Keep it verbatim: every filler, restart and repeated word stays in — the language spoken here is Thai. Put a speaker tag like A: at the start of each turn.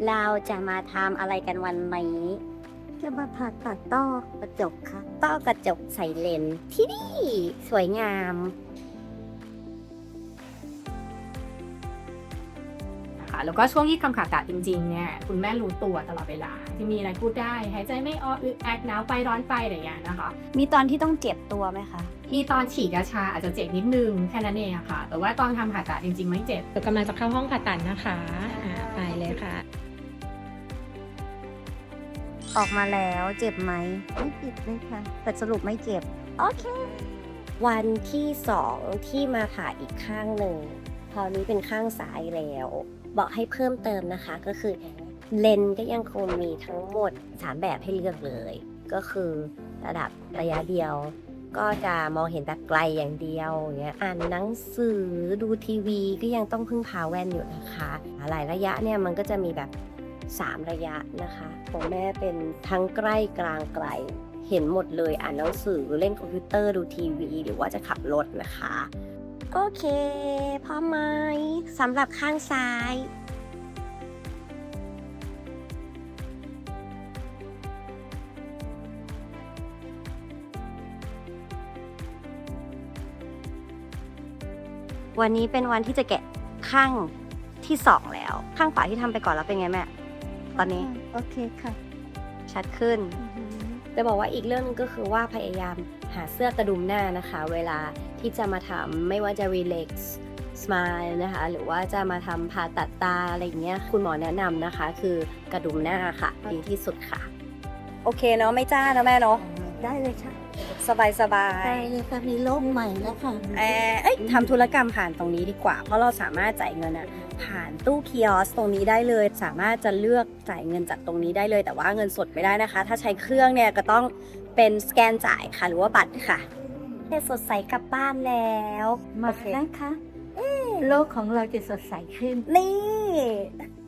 A: เราจะมาทำอะไรกันวันนี้จะมาผ่าตัดต้อกระจกค่ะต้อกระจกใส่เลนส์ที่นี่สวยงาม
B: แล้วก็ช่วงที่ทำผ่าตัดจริงๆเนี่ยคุณแม่รู้ตัวตลอดเวลาที่มีอะไรพูดได้หายใจไม่ออกอึดอัดหนาวไปร้อนไปอะไรอย่างเงี้ยนะคะ
A: มีตอนที่ต้องเจ็บตัวไหมคะ
B: มีตอนฉีดยาชาอาจจะเจ็บนิดนึงแค่นั้นเองค่ะแต่ว่าตอนทำผ่าตัดจริงๆไม่เจ็บกำลังจะเข้าห้องผ่าตัดนะคะไปเลยค่ะ
A: ออกมาแล้วเจ็บไหมไม่เจ็บเลยค่ะแต่สรุปไม่เจ็บโอเควันที่สองที่มาผ่าอีกข้างหนึ่งคราวนี้เป็นข้างซ้ายแล้วบอกให้เพิ่มเติมนะคะก็คือเลนส์ก็ยังคงมีทั้งหมดสามแบบให้เลือกเลยก็คือระดับระยะเดียวก็จะมองเห็นแต่ไกลอย่างเดียวอย่างเงี้ยอ่านหนังสือดูทีวีก็ยังต้องพึ่งพาแว่นอยู่นะคะหลายระยะเนี่ยมันก็จะมีแบบสามระยะนะคะของแม่เป็นทั้งใกล้กลางไกลเห็นหมดเลยอ่านหนังสือเล่นคอมพิวเตอร์ดูทีวีหรือว่าจะขับรถนะคะโอเคพร้อมไหมสำหรับข้างซ้ายวันนี้เป็นวันที่จะแกะข้างที่สองแล้วข้างขวาที่ทำไปก่อนแล้วเป็นไงแม่ตอนนี้
C: โอเคค่ะ
A: ชัดขึ้นจะบอกว่าอีกเรื่องนึงก็คือว่าพยายามหาเสื้อกระดุมหน้านะคะเวลาที่จะมาทำไม่ว่าจะ relax smile นะคะหรือว่าจะมาทำผ่าตัดตาอะไรอย่างเงี้ยคุณหมอแนะนำนะคะคือกระดุมหน้าค่ะดีที่สุดค่ะโอเคเนาะไม่จ้านะแม่เนาะ
C: ได้เลยค่ะ
A: สบายสบา
C: ได้
A: ย
C: เลยค่ะมีโรคใหม่แล้วค่ะ
A: เออเอ้ยทำธุรกรรมผ่านตรงนี้ดีกว่าเพราะเราสามารถจ่ายเงินอะผ่านตู้คีออสตรงนี้ได้เลยสามารถจะเลือกจ่ายเงินจากตรงนี้ได้เลยแต่ว่าเงินสดไม่ได้นะคะถ้าใช้เครื่องเนี่ยก็ต้องเป็นสแกนจ่ายค่ะหรือว่าบัตรค่ะสดใสกลับบ้านแล้ว
C: มานะคะโลกของเราจะสดใสขึ้น
A: นี่